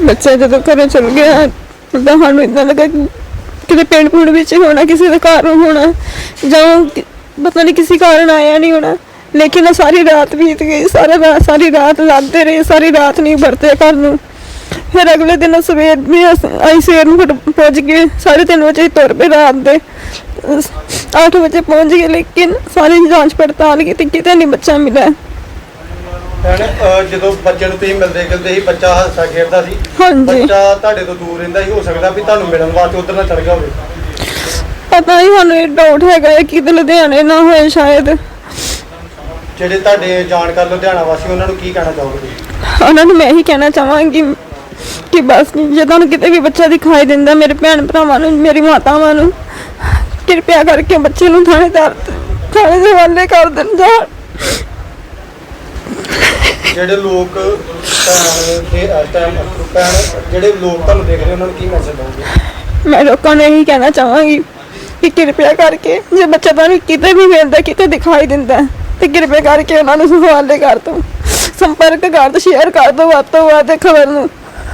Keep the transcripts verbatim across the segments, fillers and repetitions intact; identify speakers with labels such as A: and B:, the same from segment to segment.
A: बच्चा जो घरों चल गया तो सानू इतना लगा कि किसी पिंड पुंड विच होना, किसी का घर होना, जां पता नहीं किसी कारण आया नहीं होना। लेकिन सारी रात बीत गई, सारा रात सारी रात लाते रहे, सारी रात नहीं बरते घर नूं। फिर अगले दिन सवेर भी आई सवेर में पहुँच गए, साढ़े तीन बजे तुर पे, रात के आठ बजे पहुँच गए। लेकिन सारी जांच पड़ताल की कितने नहीं बच्चा मिला।
B: ਜਦੋਂ ਬੱਚੇ ਨੂੰ ਤੁਸੀਂ ਮਿਲਦੇ ਗਿਲਦੇ ਸੀ, ਬੱਚਾ ਹੱਸਾ ਖੇਡਦਾ ਸੀ, ਬੱਚਾ ਤੁਹਾਡੇ ਤੋਂ ਦੂਰ ਰਹਿੰਦਾ ਸੀ, ਹੋ ਸਕਦਾ ਵੀ ਤੁਹਾਨੂੰ ਮਿਲਣ ਵਾਸਤੇ ਉਧਰ ਨਾ ਚੜ ਗਿਆ ਹੋਵੇ।
A: ਪਤਾ ਨਹੀਂ, ਸਾਨੂੰ ਇਹ ਡਾਊਟ ਹੈਗਾ ਹੈ ਕਿ ਲੁਧਿਆਣੇ ਨਾ ਹੋਏ ਸ਼ਾਇਦ।
B: ਜਿਹੜੇ ਤੁਹਾਡੇ ਜਾਣਕਾਰ ਲੁਧਿਆਣਾ ਵਾਸੀ, ਉਹਨਾਂ ਨੂੰ ਕੀ ਕਹਿਣਾ ਚਾਹੋਗੇ?
A: ਉਹਨਾਂ ਨੂੰ ਮੈਂ ਇਹੀ ਕਹਿਣਾ ਚਾਹਾਂਗੀ ਕਿ ਬਸ ਜੇ ਤੁਹਾਨੂੰ ਕਿਤੇ ਵੀ ਬੱਚਾ ਦਿਖਾਈ ਦਿੰਦਾ, ਮੇਰੇ ਭੈਣ ਭਰਾਵਾਂ ਨੂੰ, ਮੇਰੀ ਮਾਤਾਵਾਂ ਨੂੰ ਕਿਰਪਾ ਕਰਕੇ ਬੱਚੇ ਨੂੰ ਥਾਣੇਦਾਰ ਥਾਣੇ ਦੇ ਹਵਾਲੇ ਕਰ ਦੇਣ। ਜਾਂ
B: ਜਿਹੜੇ ਲੋਕ ਦੇ ਟਾਈਮ ਜਿਹੜੇ ਲੋਕ ਤੁਹਾਨੂੰ ਦੇਖ ਰਹੇ ਉਹਨਾਂ ਨੂੰ ਕੀ ਮੈਸੇਜ ਦਓਗੇ?
A: ਮੈਂ ਲੋਕਾਂ ਨੂੰ ਇਹੀ ਕਹਿਣਾ ਚਾਹਾਂਗੀ ਕਿ ਕਿਰਪਾ ਕਰਕੇ ਜੇ ਬੱਚਾ ਤੁਹਾਨੂੰ ਕਿਤੇ ਵੀ ਮਿਲਦਾ, ਕਿਤੇ ਦਿਖਾਈ ਦਿੰਦਾ, ਤੇ ਕਿਰਪਾ ਕਰਕੇ ਉਹਨਾਂ ਨੂੰ ਹਵਾਲੇ ਕਰ ਦਿਓ, ਸੰਪਰਕ ਕਰ ਦਿਓ, ਸ਼ੇਅਰ ਕਰ ਦਿਓ ਵੱਧ ਤੋਂ ਵੱਧ ਖਬਰ ਨੂੰ।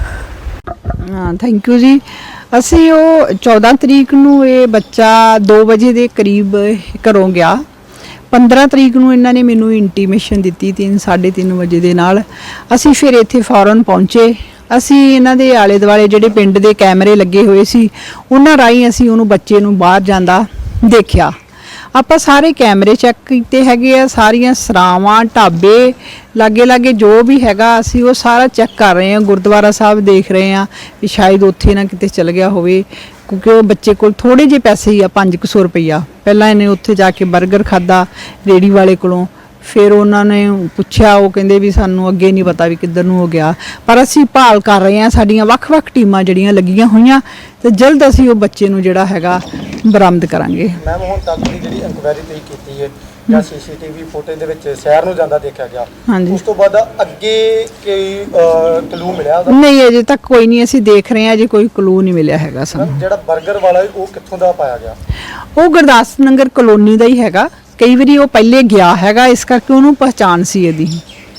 C: ਹਾਂ, ਥੈਂਕ ਯੂ ਜੀ। ਅਸੀਂ ਉਹ ਚੌਦਾਂ ਤਰੀਕ ਨੂੰ ਇਹ ਬੱਚਾ ਦੋ ਵਜੇ ਦੇ ਕਰੀਬ ਘਰੋਂ ਗਿਆ। ਪੰਦਰਾਂ ਤਰੀਕ ਨੂੰ ਇਹਨਾਂ ਨੇ ਮੈਨੂੰ ਇੰਟੀਮੇਸ਼ਨ ਦਿੱਤੀ ਤਿੰਨ ਸਾਢੇ ਤਿੰਨ ਵਜੇ ਦੇ ਨਾਲ। ਅਸੀਂ ਫਿਰ ਇੱਥੇ ਫੌਰਨ ਪਹੁੰਚੇ। ਅਸੀਂ ਇਹਨਾਂ ਦੇ ਆਲੇ ਦੁਆਲੇ ਜਿਹੜੇ ਪਿੰਡ ਦੇ ਕੈਮਰੇ ਲੱਗੇ ਹੋਏ ਸੀ, ਉਹਨਾਂ ਰਾਹੀਂ ਅਸੀਂ ਉਹਨੂੰ ਬੱਚੇ ਨੂੰ ਬਾਹਰ ਜਾਂਦਾ ਦੇਖਿਆ। ਆਪਾਂ ਸਾਰੇ ਕੈਮਰੇ ਚੈੱਕ ਕੀਤੇ ਹੈਗੇ ਆ, ਸਾਰੀਆਂ ਸਰਾਵਾਂ, ਢਾਬੇ, ਲਾਗੇ ਲਾਗੇ ਜੋ ਵੀ ਹੈਗਾ ਅਸੀਂ ਉਹ ਸਾਰਾ ਚੈੱਕ ਕਰ ਰਹੇ ਹਾਂ। ਗੁਰਦੁਆਰਾ ਸਾਹਿਬ ਦੇਖ ਰਹੇ ਹਾਂ ਵੀ ਸ਼ਾਇਦ ਉੱਥੇ ਨਾ ਕਿਤੇ ਚਲ ਗਿਆ ਹੋਵੇ, ਕਿਉਂਕਿ ਉਹ ਬੱਚੇ ਕੋਲ ਥੋੜੇ ਜਿਹੇ ਪੈਸੇ ਹੀ ਆ, ਪੰਜ ਕੁ ਸੌ ਰੁਪਈਆ। ਪਹਿਲਾਂ ਇਹਨੇ ਉੱਥੇ ਜਾ ਕੇ 버ਗਰ ਖਾਦਾ ਰੇੜੀ ਵਾਲੇ ਕੋਲੋਂ। ਫਿਰ ਉਹਨਾਂ ਨੇ ਪੁੱਛਿਆ, ਉਹ ਕਹਿੰਦੇ ਵੀ ਸਾਨੂੰ ਅੱਗੇ ਨਹੀਂ ਪਤਾ ਵੀ ਕਿੱਧਰ ਨੂੰ ਹੋ ਗਿਆ। ਪਰ ਅਸੀਂ ਭਾਲ ਕਰ ਰਹੇ ਹਾਂ, ਸਾਡੀਆਂ ਵੱਖ-ਵੱਖ ਟੀਮਾਂ ਜਿਹੜੀਆਂ ਲੱਗੀਆਂ ਹੋਈਆਂ, ਤੇ ਜਲਦ ਅਸੀਂ ਉਹ ਬੱਚੇ ਨੂੰ ਜਿਹੜਾ ਹੈਗਾ ਬਰਾਮਦ ਕਰਾਂਗੇ।
B: ਮੈਮ, ਹੁਣ ਤੱਕ ਦੀ ਜਿਹੜੀ ਇਨਕੁਆਇਰੀ ਤੁਸੀਂ ਕੀਤੀ ਹੈ ਜਾਂ ਸੀਸੀਟੀਵੀ ਫੁਟੇਜ ਦੇ ਵਿੱਚ ਸ਼ਹਿਰ ਨੂੰ ਜਾਂਦਾ ਦੇਖਿਆ ਗਿਆ, ਉਸ ਤੋਂ ਬਾਅਦ ਅੱਗੇ ਕੋਈ ਕਲੂ ਮਿਲਿਆ ਉਹਦਾ?
C: ਨਹੀਂ, ਅਜੇ ਤੱਕ ਕੋਈ ਨਹੀਂ। ਅਸੀਂ ਦੇਖ ਰਹੇ ਹਾਂ, ਅਜੇ ਕੋਈ ਕਲੂ ਨਹੀਂ ਮਿਲਿਆ ਹੈਗਾ ਸਾਨੂੰ।
B: ਜਿਹੜਾ 버ਗਰ ਵਾਲਾ ਉਹ ਕਿੱਥੋਂ ਦਾ ਪਾਇਆ ਗਿਆ?
C: ਉਹ ਗੁਰਦਾਸ ਨਗਰ ਕਲੋਨੀ ਦਾ ਹੀ ਹੈਗਾ। ਕਈ ਵਾਰੀ ਉਹ ਪਹਿਲੇ ਗਿਆ ਹੈਗਾ, ਇਸ ਕਰਕੇ ਉਹਨੂੰ ਪਹਿਚਾਣ ਸੀ ਇਹਦੀ।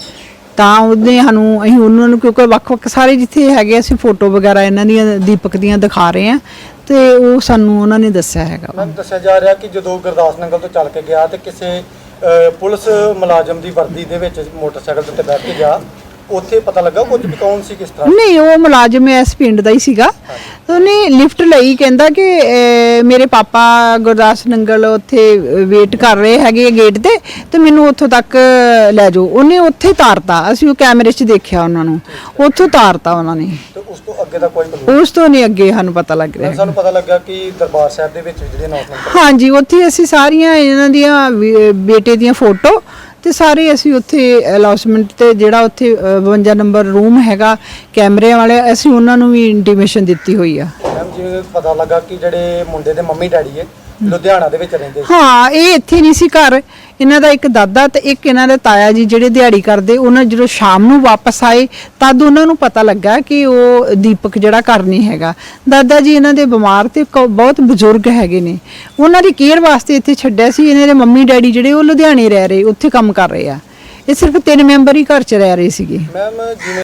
C: ਤਾਂ ਉਹਨੇ ਸਾਨੂੰ, ਅਸੀਂ ਉਹਨਾਂ ਨੂੰ, ਕਿਉਂਕਿ ਵੱਖ-ਵੱਖ ਸਾਰੇ ਜਿੱਥੇ ਹੈਗੇ ਅਸੀਂ ਫੋਟੋ ਵਗੈਰਾ ਇਹਨਾਂ ਦੀਆਂ ਦੀਪਕ ਦੀਆਂ ਦਿਖਾ ਰਹੇ ਹਾਂ, ਤੇ ਉਹ ਸਾਨੂੰ ਉਹਨਾਂ ਨੇ ਦੱਸਿਆ ਹੈਗਾ।
B: ਮੈਨੂੰ ਦੱਸਿਆ ਜਾ ਰਿਹਾ ਕਿ ਜਦੋਂ ਗੁਰਦਾਸ ਨਗਰ ਤੋਂ ਚੱਲ ਕੇ ਗਿਆ ਤੇ ਕਿਸੇ ਪੁਲਿਸ ਮੁਲਾਜ਼ਮ ਦੀ ਵਰਦੀ ਦੇ ਵਿੱਚ ਮੋਟਰਸਾਈਕਲ ਤੇ ਬੈਠ ਕੇ ਗਿਆ, ਉੱਥੇ ਪਤਾ ਲੱਗਾ ਕੁਝ ਵੀ ਕੌਣ ਸੀ, ਕਿਸ ਤਰ੍ਹਾਂ? ਨਹੀਂ, ਉਹ ਮੁਲਾਜ਼ਮ ਇਸ ਪਿੰਡ ਦਾ ਹੀ ਸੀਗਾ। ਉਹਨੇ ਲਿਫਟ ਲਈ, ਕਹਿੰਦਾ ਕਿ ਮੇਰੇ ਪਾਪਾ ਗੁਰਦਾਸ ਨੰਗਲ ਉੱਥੇ ਵੇਟ ਕਰ ਰਹੇ ਹੈਗੇ ਗੇਟ ਤੇ, ਤੇ ਮੈਨੂੰ ਉੱਥੋਂ ਤੱਕ ਲੈ ਜਾਓ। ਉਹਨੇ ਉੱਥੇ ਤਾਰਤਾ, ਅਸੀਂ ਉਹ ਕੈਮਰੇ 'ਚ ਦੇਖਿਆ ਉਹਨਾਂ ਨੂੰ, ਉੱਥੋਂ ਤਾਰਤਾ ਉਹਨਾਂ ਨੇ। ਤੇ ਉਸ ਤੋਂ ਅੱਗੇ ਦਾ ਕੋਈ ਕਲੂ?
C: ਉਸ ਤੋਂ ਨਹੀਂ ਅੱਗੇ ਸਾਨੂੰ ਪਤਾ ਲੱਗ ਰਿਹਾ।
B: ਸਾਨੂੰ ਪਤਾ ਲੱਗਾ ਕਿ ਦਰਬਾਰ ਸਾਹਿਬ ਦੇ ਵਿੱਚ ਜਿਹੜੇ ਅਨਾਉਂਸਮੈਂਟ,
C: ਹਾਂਜੀ, ਉੱਥੇ ਅਸੀਂ ਸਾਰੀਆਂ ਇਹਨਾਂ ਦੀਆਂ ਬੇਟੇ ਦੀਆਂ ਫੋਟੋ ਤੇ ਸਾਰੇ ਅਸੀਂ ਉੱਥੇ ਅਨਾਉਂਸਮੈਂਟ ਤੇ ਜਿਹੜਾ ਉੱਥੇ ਬਵੰਜਾ ਨੰਬਰ ਰੂਮ ਹੈਗਾ ਕੈਮਰੇ ਵਾਲੇ, ਅਸੀਂ ਉਹਨਾਂ ਨੂੰ ਵੀ ਇੰਟੀਮੇਸ਼ਨ ਦਿੱਤੀ ਹੋਈ ਆ।
B: ਮੈਮ, ਜਿਵੇਂ ਪਤਾ ਲੱਗਾ ਕਿ ਜਿਹੜੇ ਮੁੰਡੇ ਦੇ ਮੰਮੀ ਡੈਡੀ ਹੈ ਲੁਧਿਆਣਾ ਦੇ ਵਿੱਚ ਰਹਿੰਦੇ ਸੀ।
C: ਹਾਂ, ਇਹ ਇੱਥੇ ਨਹੀਂ ਸੀ ਘਰ। ਇਹਨਾਂ ਦਾ ਇੱਕ ਦਾਦਾ ਤੇ ਇੱਕ ਇਹਨਾਂ ਦੇ ਤਾਇਆ ਜੀ ਜਿਹੜੇ ਦਿਹਾੜੀ ਕਰਦੇ, ਉਹਨਾਂ ਜਦੋਂ ਸ਼ਾਮ ਨੂੰ ਵਾਪਸ ਆਏ ਤਦ ਉਹਨਾਂ ਨੂੰ ਪਤਾ ਲੱਗਾ ਕਿ ਉਹ ਦੀਪਕ ਜਿਹੜਾ ਘਰ ਨਹੀਂ ਹੈਗਾ। ਦਾਦਾ ਜੀ ਇਹਨਾਂ ਦੇ ਬਿਮਾਰ ਤੇ ਬਹੁਤ ਬਜ਼ੁਰਗ ਹੈਗੇ ਨੇ, ਉਹਨਾਂ ਦੀ ਕੇਅਰ ਵਾਸਤੇ ਇੱਥੇ ਛੱਡਿਆ ਸੀ। ਇਹਨਾਂ ਦੇ ਮੰਮੀ ਡੈਡੀ ਜਿਹੜੇ ਉਹ ਲੁਧਿਆਣੇ ਰਹਿ ਰਹੇ, ਉੱਥੇ ਕੰਮ ਕਰ ਰਹੇ ਆ। ਇਹ ਸਿਰਫ ਤਿੰਨ ਮੈਂਬਰ ਹੀ ਘਰ 'ਚ ਰਹਿ ਰਹੇ ਸੀਗੇ।
B: ਮੈਮ, ਜਿਵੇਂ